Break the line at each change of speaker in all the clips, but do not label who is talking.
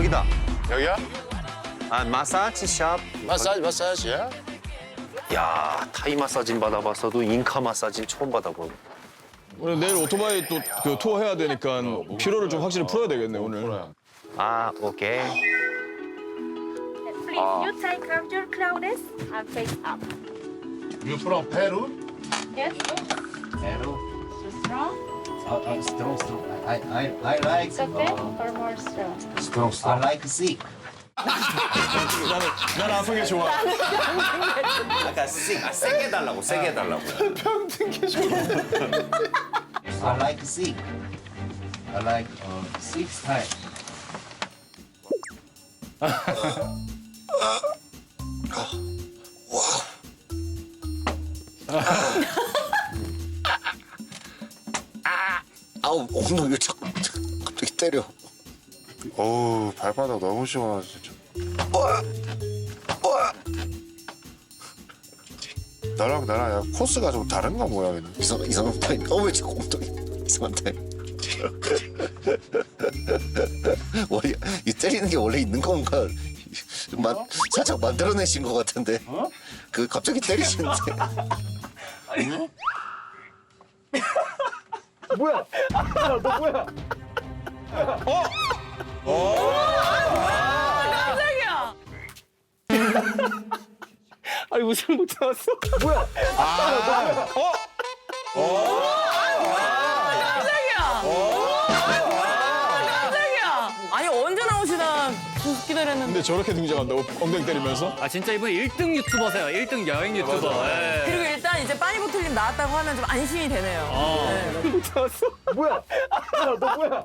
여기다.
여기야?
아, 마사지 샵.
마사지야?
야, 타이 마사지는 받아봤어도 인카 마사지는 처음 받아보네.
오늘 내일 오토바이 또 그 투어 해야 되니까 피로를 좀 확실히 풀어야 되겠네 오늘.
아, 오케이.
Please, you take out your clothes and face up.
You from Peru?
Yes.
Peru.
So strong.
Strong. I like
It's okay. Or more strong.
strong. I like sick.
난 아픈 게 좋아.
아까 세게 해달라고, 세게 해달라고.
I like sick. I like six times.
아우 엉덩이를 자꾸 갑자기 때려.
어우, 발바닥 너무 시원하다, 진짜. 너랑 나랑 야, 코스가 좀 다른가 뭐야, 얘는.
이상한 타임. 왜 자꾸 엉덩이 이상한 타임. 원래 이 때리는 게 원래 있는 건가? 살짝 만들어내신 것 같은데. 그 갑자기 때리시는데.
아니 웃음 못 참았어. 뭐야?
깜짝이야. 아니 언제 나오시나 계속 기다렸는데.
근데 저렇게 등장한다고 엉덩이 때리면서?
아 진짜 이분 1등 유튜버세요. 1등 여행 유튜버. 예.
그리고 일단 이제 빠니보틀님 나왔다고 하면 좀 안심이 되네요. 네.
못 참았어. 뭐야? 너 뭐야?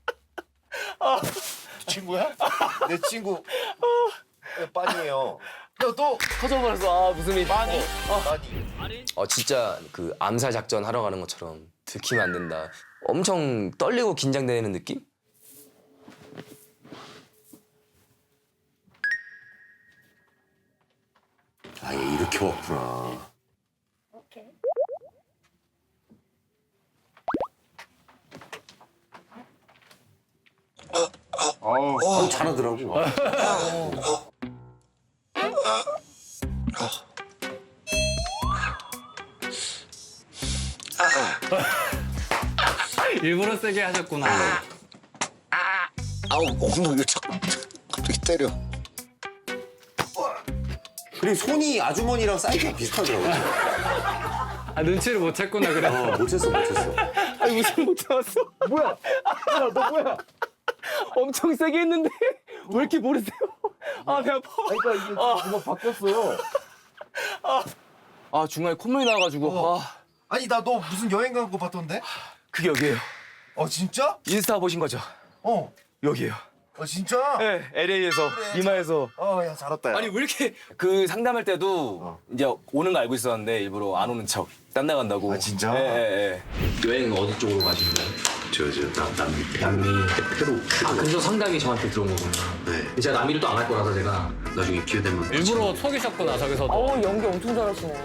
친구야? 내 친구. 빠니예요.
또 터져버렸어. 아 무슨 일?
빠니.
진짜 그 암살 작전 하러 가는 것처럼 들키면 안 된다. 엄청 떨리고 긴장되는 느낌?
아, 얘 이렇게 왔구나.
Okay.
잘하더라고.
일부러 세게 하셨구나.
아우 엉덩이를 자꾸 갑자기 때려.
그리고 손이 아주머니랑 사이즈가 비슷하더라고.
아 눈치를 못 챘구나 그래.
못 챘어, 못 챘어.
아니 웃음 못 참았어. 뭐야? 너 뭐야? 엄청 세게 했는데 왜 이렇게 모르세요? 아, 배 아파.
그러니까 이게 뭔가 바뀌었어요. 아 중간에 콧물이 나가지고.
아니 나 너 무슨 여행 간 거 봤던데?
그게 여기예요.
진짜?
인스타 보신 거죠? 여기예요.
진짜?
네, LA에서 이마에서.
야 잘했다. 야.
아니 왜 이렇게 그 상담할 때도 이제 오는 거 알고 있었는데 일부러 안 오는 척 딴 나간다고.
진짜?
예. 여행 어디 쪽으로 가시는 거예요? 남미. 페루. 아 그래서 상담이 저한테 들어온 거구나. 네. 제가 남미를 또 안 할 거라서 제가 나중에 기회 되면.
일부러 속이셨구나 저기서도.
어우 연기 엄청 잘하시네.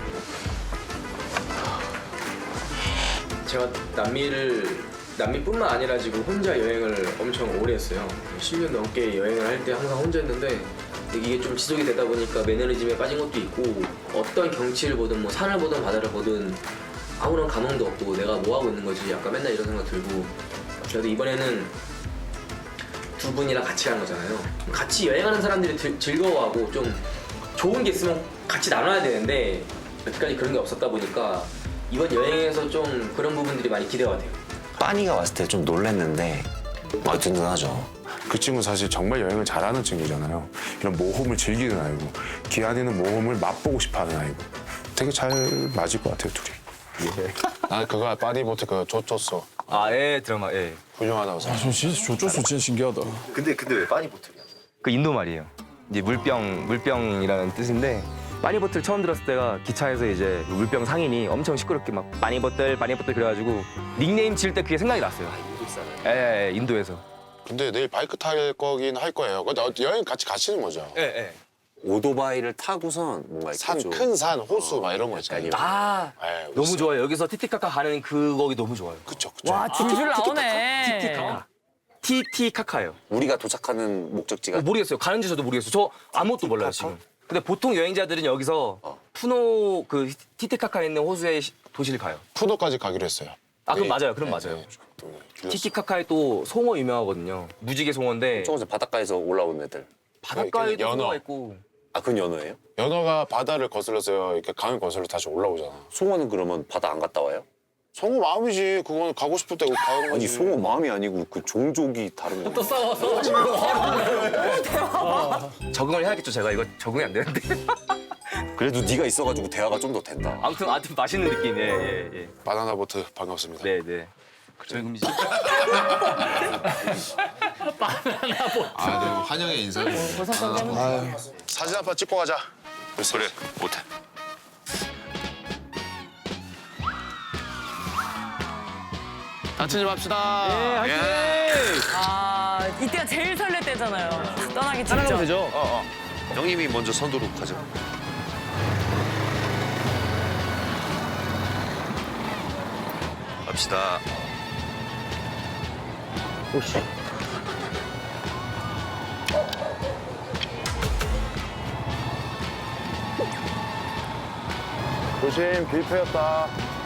제가 남미뿐만 아니라 지금 혼자 여행을 엄청 오래 했어요. 10년 넘게 여행을 할 때 항상 혼자 했는데 이게 좀 지속이 되다 보니까 매너리즘에 빠진 것도 있고 어떤 경치를 보든 뭐 산을 보든 바다를 보든 아무런 감흥도 없고 내가 뭐 하고 있는 거지 약간 맨날 이런 생각 들고 그래도 이번에는 두 분이랑 같이 가는 거잖아요. 같이 여행하는 사람들이 즐거워하고 좀 좋은 게 있으면 같이 나눠야 되는데 여태까지 그런 게 없었다 보니까 이번 여행에서 좀 그런 부분들이 많이 기대가 돼요.
빠니가 왔을 때 좀 놀랬는데 든든하죠.
그 친구 사실 정말 여행을 잘하는 친구잖아요. 이런 모험을 즐기는 아이고, 기한이는 모험을 맛보고 싶어하는 아이고. 되게 잘 맞을 것 같아요, 둘이. 난 그거 빠니보트 그거 줬었어.
예, 드라마, 예.
훌륭하다고 생각해.
저 진짜 조조수 진짜 신기하다.
근데 왜 빠니보틀이야?
그 인도 말이에요. 이제 물병이라는 뜻인데 빠니보틀 처음 들었을 때가 기차에서 이제 물병 상인이 엄청 시끄럽게 막 빠니보틀 그래가지고 닉네임 지을 때 그게 생각이 났어요. 예, 인도에서.
근데 내일 바이크 탈 거긴 할 거예요. 근데 여행 같이 가시는 거죠?
예.
오토바이를 타고선 뭔가 이렇게 좀
큰 산, 호수 막 이런 거 있잖아요.
아,
예,
너무
있어요.
좋아요. 여기서 티티카카 가는 그 거기 너무 좋아요.
그쵸.
와 줄줄 나오네.
티티카카.
티티카카예요.
우리가 도착하는 목적지가
모르겠어요. 가는지 저도 모르겠어요. 저 아무것도 몰라요 지금. 근데 보통 여행자들은 여기서 푸노 그 티티카카에 있는 호수의 도시를 가요.
푸도까지 가기로 했어요.
아 그럼 맞아요. 그럼 맞아요. 티티카카에 또 송어 유명하거든요. 무지개 송어인데
조금씩 바닷가에서 올라온 애들.
바닷가에도
연어.
송어가 있고.
아, 그건 연어예요?
연어가 바다를 거슬러서 이렇게 강을 거슬러 다시 올라오잖아.
송어는 그러면 바다 안 갔다 와요?
성우 마음이지. 그건 가고 싶을 때 가는 거지.
아니, 송어 마음이 아니고 그 종족이 다른 거.
또 싸워서
적응을 해야겠죠. 제가 이거 적응이 안 되는데.
그래도 네가 있어가지고 대화가 좀 더 된다.
아무튼 맛있는 느낌. 예.
바나나 보트 반갑습니다.
네. 저희 그럼 이제
아, 네. 환영의 인사를. 사진 한 판 찍고 가자. 그래, 못해. 다치지 맙시다.
아 이때가 제일 설렐 때잖아요. 떠나기 직전.
따라가면 되죠.
형님이 먼저 선두로 가죠. 갑시다.
오씨.
조심, 빌패였다.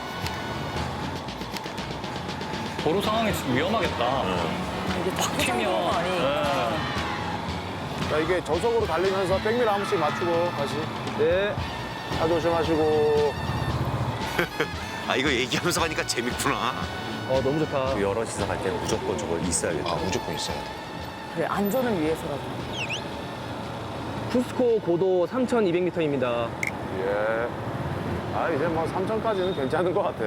도로 상황이 지금 위험하겠다.
이게 탁 튀면 거 아니니까.
자, 이게 저속으로 달리면서 백미러 한 번씩 맞추고 다시.
네.
차 조심하시고.
아, 이거 얘기하면서 가니까 재밌구나.
너무 좋다.
여럿이서 갈 때는 무조건 저걸 있어야겠다.
아, 무조건 있어야 돼.
그래 안전을 위해서라도.
쿠스코 고도 3,200m입니다.
예. 아, 이제 뭐 3천까지는 괜찮은 것 같아.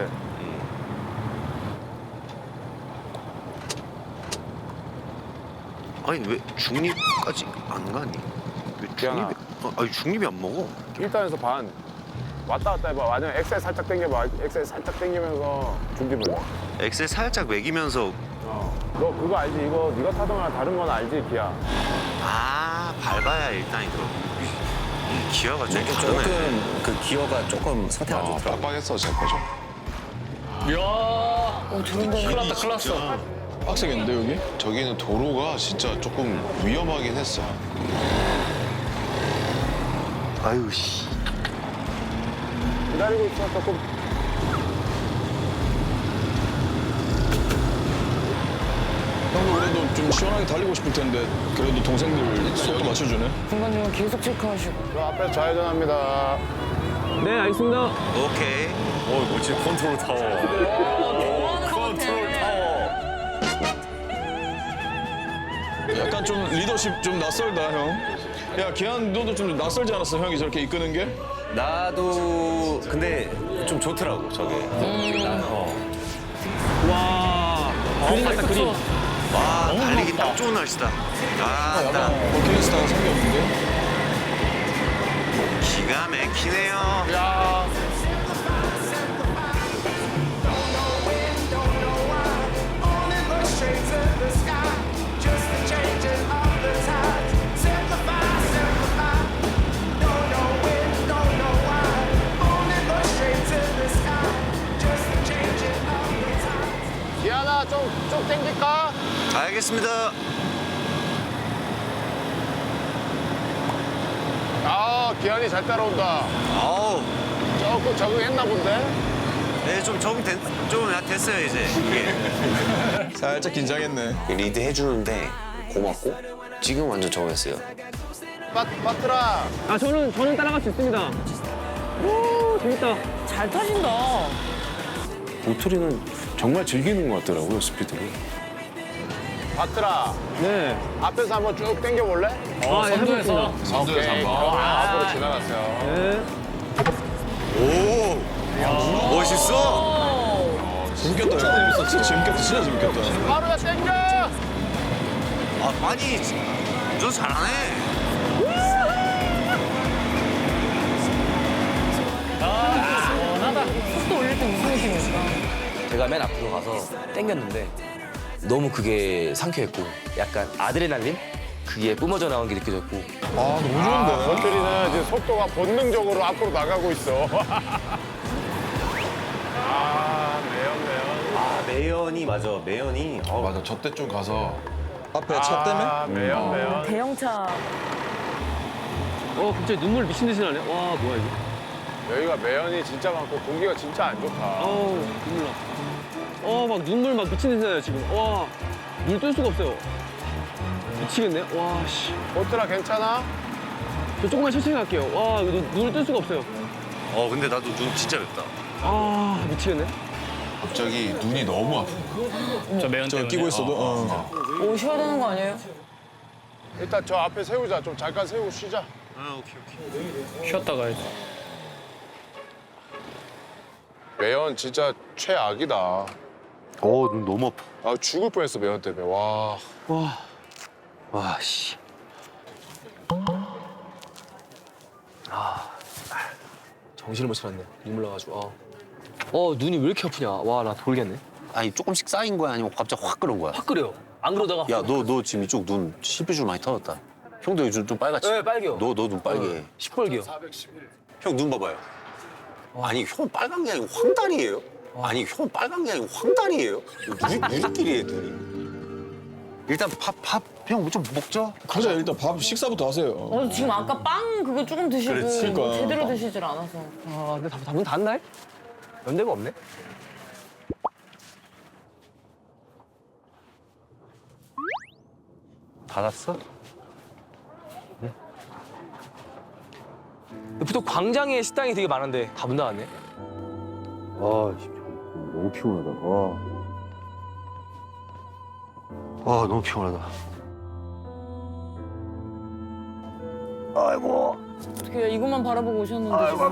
아니, 왜 중립까지 안 가니? 왜
기아나.
아니, 중립이 안 먹어.
1단에서 반. 왔다 갔다 해봐. 완전 엑셀 살짝 당겨봐. 엑셀 살짝 당기면서 중립을 내.
엑셀 살짝 매기면서.
너 그거 알지? 이거 네가 타던 거랑 다른 건 알지, 기아?
아, 밟아야 일단 이거. 기어가 좀 다르네.
조금 그 기어가 조금 상태 안 좋더라고.
빡빡했어, 제 거죠.
이야, 큰일 났다, 큰일 났어.
빡세겠는데, 여기? 저기는 도로가 진짜 조금 위험하긴 했어.
아유, 씨.
기다리고 있어, 조금.
형도 그래도 좀 시원하게 달리고 싶을 텐데 그래도 동생들 속도 맞춰주네.
중간중간 계속 체크하시고.
저 앞에 좌회전합니다.
네, 알겠습니다.
오케이.
뭐지, 컨트롤 타워. 컨트롤 타워.
약간 좀 리더십 좀 낯설다 형. 야 기한 너도 좀 낯설지 않았어 형이 저렇게 이끄는 게?
나도 근데 좀 좋더라고, 저게.
와. 그림 같다, 그림.
와, 달리기 딱 좋은 날씨다. 아, 딱
버킷리스트가 생겨 없는데?
기가 막히네요.
기아나, 좀 땡길까?
알겠습니다.
아, 기한이 잘 따라온다.
아우,
조금 적응했나 본데?
네, 좀 됐어요, 이제. 이게.
살짝 긴장했네.
리드 해주는데 고맙고 지금 완전 적응했어요.
빠트라.
아, 저는 따라갈 수 있습니다. 오, 재밌다.
잘 타신다.
도토리는 정말 즐기는 것 같더라고요, 스피드를. 빠트라.
네.
앞에서 한번 쭉 당겨볼래?
아, 예, 해보겠습니다.
선두에서 한번. 앞으로 지나갔어요.
네.
오, 멋있어.
재밌겠다 형. 진짜 재밌겠다. 진짜 재밌겠다.
하루야 땡겨!
아, 아니, 너 잘하네.
속도 올릴 때 무슨 느낌일까?
제가 맨 앞으로 가서 땡겼는데 너무 그게 상쾌했고 약간 아드레날린? 그게 뿜어져 나온 게 느껴졌고
아 너무 좋은데?
도토리는 지금 속도가 본능적으로 앞으로 나가고 있어. 아, 매연.
아, 매연이 맞아. 매연이.
맞아, 저 때 좀 가서
앞에 차 때문에?
매연.
대형차.
갑자기 눈물 미친 듯이 나네. 와, 뭐야 이거.
여기가 매연이 진짜 많고 공기가 진짜 안 좋다.
눈물 나. 막 눈물 막 미친 듯이 나요 지금. 와, 물 뜰 수가 없어요. 미치겠네. 와, 씨.
보트라 괜찮아?
저 조금만 천천히 갈게요. 와, 이거 눈을 뜰 수가 없어요.
근데 나도 눈 진짜 맵다.
아, 미치겠네.
갑자기 눈이 너무 아파.
저 매연
저
때문에.
끼고 있어도.
오, 쉬어야 되는 거 아니에요?
일단 저 앞에 세우자. 좀 잠깐 세우고 쉬자.
쉬었다 가야지.
매연 진짜 최악이다.
눈 너무 아파.
아 죽을 뻔했어 매연 때문에. 와.
와, 씨.
정신을 못 차렸네. 눈물 나가지고. 눈이 왜 이렇게 아프냐. 와, 나 돌겠네.
아니, 조금씩 쌓인 거야? 아니면 갑자기 확 끓은 거야?
확 끓여요. 안 그러다가.
야, 너 지금 이쪽 눈 실핏줄 많이 터졌다. 형도 요즘 좀 빨갛지?
네, 빨개요.
너 눈 빨개.
시뻘개요.
형 눈 봐봐요. 아니, 형 빨간 게 아니고 황달이에요? 아니, 형 빨간 게 아니고 황달이에요? 누리끼리해, 눈이. 일단 형 좀 먹자.
가자 일단 밥 식사부터 하세요.
지금 아까 빵 그거 조금 드시고
그렇지.
뭐
그러니까.
제대로 드시질 않아서.
근데 문 닫나요? 연대가 없네.
닫았어?
보통 광장에 식당이 되게 많은데 다 문 닫았네.
너무 피곤하다. 너무 피곤하다. 아이고.
어떻게 이것만 바라보고 오셨는데 지금.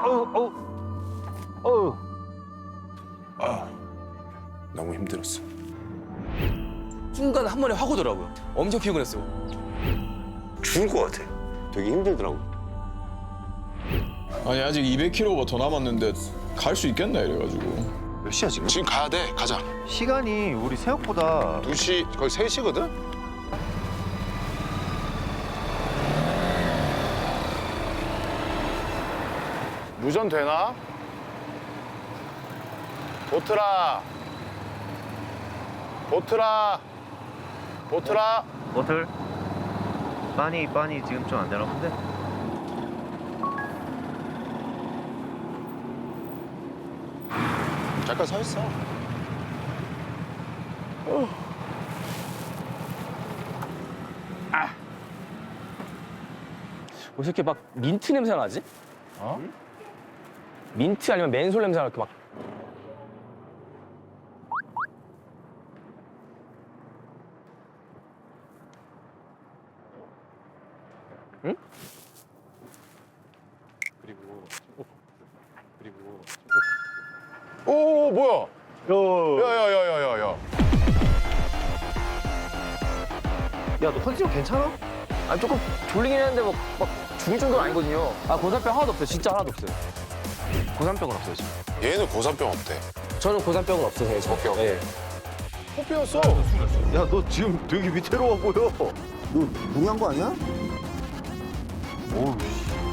너무 힘들었어.
순간 한 번에 확 오더라고요. 엄청 피곤했어요.
죽을 것 같아. 되게 힘들더라고.
아니 아직 200km가 더 남았는데 갈 수 있겠나 이래가지고.
몇 시야 지금?
지금 가야 돼. 가자.
시간이 우리 생각보다
2시 거의 3시거든? 무전 되나? 보트라.
버틀? 빠니 지금 좀 안 되나 본데?
잠깐 서 있어.
왜 이렇게 막 민트 냄새가 나지? 민트 아니면 맨솔 냄새가 이렇게 막. 응?
오 뭐야? 야야야야야야.
야, 너 컨디션 괜찮아?
아 조금 졸리긴 했는데 막 죽을 정도는 아니거든요. 고산병 하나도 없어요. 진짜 하나도 없어요. 고산병은 없어요 지금.
얘는 고산병 없대.
저는 고산병은 없어요.
오케이.
네.
코피였어.
야, 너 지금 되게 위태로워 보여. 너 무리한 거 아니야? 어우, 씨.